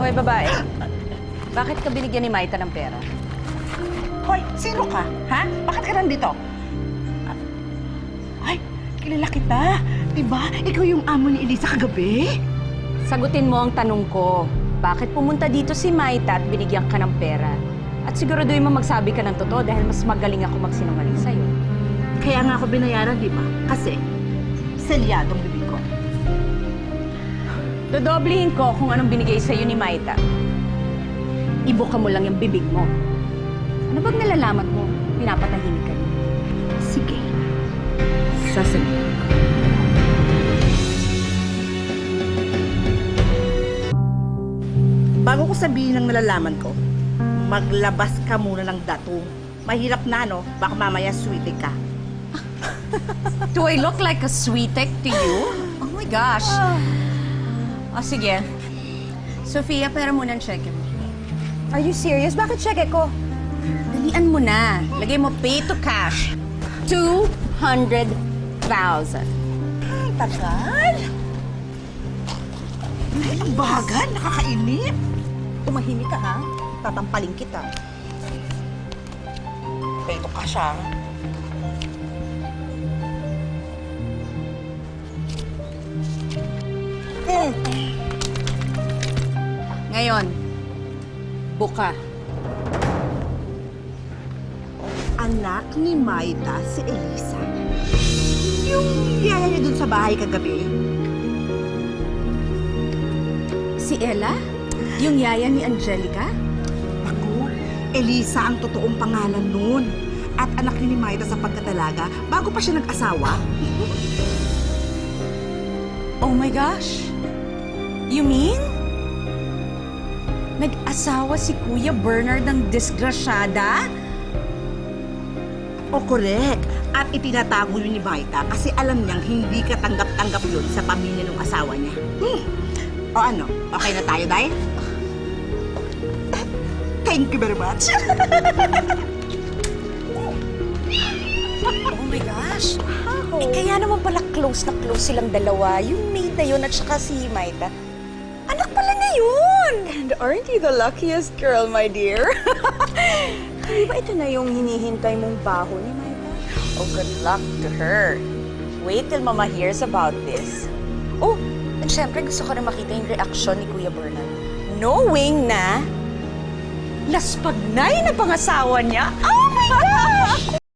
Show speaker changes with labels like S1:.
S1: Hoy, babae. Bakit ka binigyan ni Maita ng pera?
S2: Hoy, sino ka? Ha? Bakit ka nandito? Ay, kilala kita. Diba? Ikaw yung amo ni Elisa kagabi?
S1: Sagutin mo ang tanong ko. Bakit pumunta dito si Maita at binigyan ka ng pera? At siguraduhin mo magsabi ka ng totoo dahil mas magaling ako magsinungaling sa'yo.
S2: Kaya nga ako binayaran, di ba? Kasi, selyadong bibig ko.
S1: Dodoblihin ko kung anong binigay sa'yo ni Maita. Ibuka mo lang yung bibig mo. Ano bang nalalaman mo? Pinapatahimik ka niya.
S2: Sige. Sasabihin ko. Bago ko sabihin ang nalalaman ko, maglabas ka muna ng datong. Mahirap na, no? Baka mamaya sweetie ka.
S1: Do I look like a sweetek to you? Oh my gosh. O sige. Sofia, pera muna ang cheque mo.
S3: Are you serious? Bakit cheque ko?
S1: Dalian mo na. Lagay mo pay to cash. 200,000.
S2: Tagal? Ay, ang bagal. Nakakainip.
S3: Tumahimik ka, ha? Tatampaling kita.
S2: Ito ka siya.
S1: Ngayon, buka.
S2: Anak ni Maita si Elisa. Yung yaya niya dun sa bahay kagabi.
S1: Si Ella? Yung yaya ni Angelica?
S2: Ako, Elisa ang totoong pangalan nun. At anak ni Maita sa pagkatalaga bago pa siya nag-asawa.
S1: Oh my gosh. You mean? Nag-asawa si Kuya Bernard ng disgrasyada?
S2: O correct. At itinatago yun ni Maita kasi alam niyang hindi katanggap-tanggap yun sa pamilya ng asawa niya. O ano, okay na tayo, Day? Thank you very much.
S1: Oh my gosh. Eh, kaya naman pala close na close silang dalawa. Yung maid na yun at saka si Maita. Anak pala na yun!
S3: And aren't you the luckiest girl, my dear? Di ba ito na yung hinihintay mong baho ni Maita?
S1: Oh, good luck to her. Wait till Mama hears about this. Oh, at syempre gusto ko rin makita yung reaksyon ni Kuya Bernard. Knowing na, naspagnay na pangasawa niya. Oh my gosh!